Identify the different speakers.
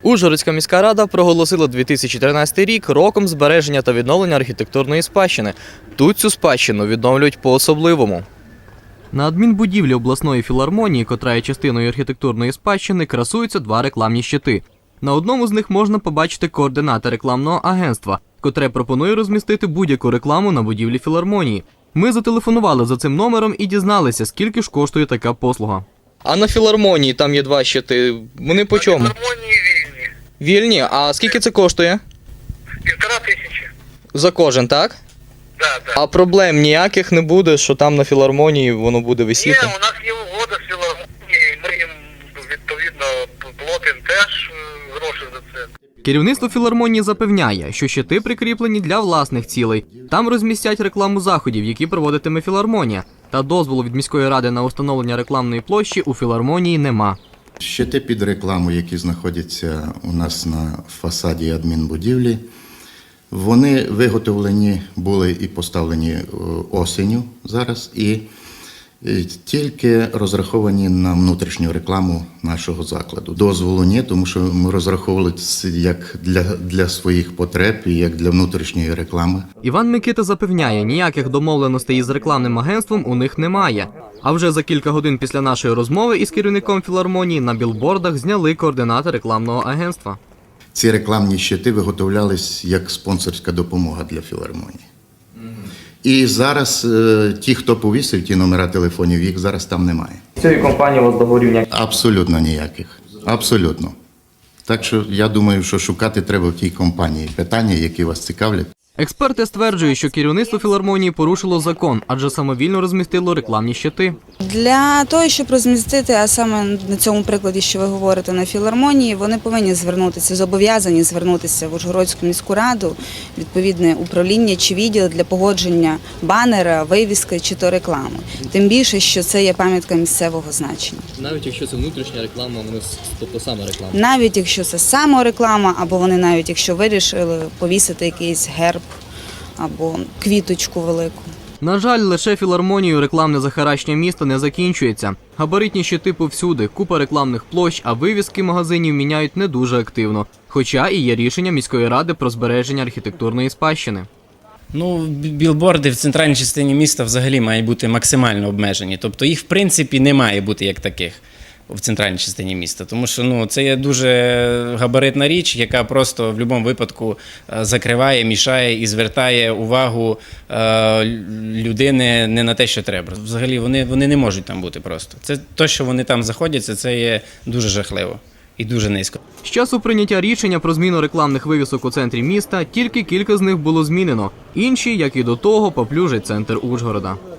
Speaker 1: Ужгородська міська рада проголосила 2013 рік роком збереження та відновлення архітектурної спадщини. Тут цю спадщину відновлюють по-особливому. На адмінбудівлі обласної філармонії, котра є частиною архітектурної спадщини, красуються два рекламні щити. На одному з них можна побачити координати рекламного агентства, котре пропонує розмістити будь-яку рекламу на будівлі філармонії. Ми зателефонували за цим номером і дізналися, скільки ж коштує така послуга. А на філармонії там є два щити. Вони по чому?
Speaker 2: На філармонії вільні.
Speaker 1: Вільні? А скільки це коштує?
Speaker 2: 1500.
Speaker 1: За кожен, так?
Speaker 2: Да.
Speaker 1: А проблем ніяких не буде, що там на філармонії воно буде
Speaker 2: Ні,
Speaker 1: висіти?
Speaker 2: у нас є угода з філармонією, ми їм, відповідно, платимо теж гроші за це.
Speaker 1: Керівництво філармонії запевняє, що щити прикріплені для власних цілей. Там розмістять рекламу заходів, які проводитиме філармонія. Та дозволу від міської ради на встановлення рекламної площі у філармонії нема.
Speaker 3: Щити під рекламу, які знаходяться у нас на фасаді адмінбудівлі, вони виготовлені були і поставлені осінню зараз, і тільки розраховані на внутрішню рекламу нашого закладу. Дозволу ні, тому що ми розраховували як для своїх потреб і як для внутрішньої реклами.
Speaker 1: Іван Микита запевняє, ніяких домовленостей із рекламним агентством у них немає. А вже за кілька годин після нашої розмови із керівником філармонії на білбордах зняли координати рекламного агентства.
Speaker 3: Ці рекламні щити виготовлялись як спонсорська допомога для філармонії. І зараз ті, хто повісив ті номера телефонів, їх зараз там немає.
Speaker 1: З цієї компанії у вас договорів ніяких?
Speaker 3: Абсолютно ніяких. Абсолютно. Так що я думаю, що шукати треба в тій компанії питання, які вас цікавлять.
Speaker 1: Експерти стверджують, що керівництво філармонії порушило закон, адже самовільно розмістило рекламні щити.
Speaker 4: Для того, щоб розмістити, а саме на цьому прикладі, що ви говорите, на філармонії, вони повинні звернутися, зобов'язані звернутися в Ужгородську міську раду, відповідне управління чи відділ для погодження банера, вивіски чи то реклами. Тим більше, що це є пам'ятка місцевого значення.
Speaker 1: Навіть якщо це внутрішня реклама, тобто саме реклама?
Speaker 4: Навіть якщо це самореклама, або вони навіть якщо вирішили повісити якийсь герб або квіточку велику.
Speaker 1: На жаль, лише філармонією рекламне захаращення міста не закінчується. Габаритні щити повсюди, купа рекламних площ, а вивіски магазинів міняють не дуже активно. Хоча і є рішення міської ради про збереження архітектурної спадщини.
Speaker 5: Білборди в центральній частині міста взагалі мають бути максимально обмежені. Тобто їх, в принципі, не має бути як таких в центральній частині міста. Тому що це є дуже габаритна річ, яка просто в будь-якому випадку закриває, мішає і звертає увагу людини не на те, що треба. Взагалі вони не можуть там бути просто. Це те, що вони там знаходяться, це є дуже жахливо і дуже низько.
Speaker 1: З часу прийняття рішення про зміну рекламних вивісок у центрі міста, тільки кілька з них було змінено. Інші, як і до того, поплюжать центр Ужгорода.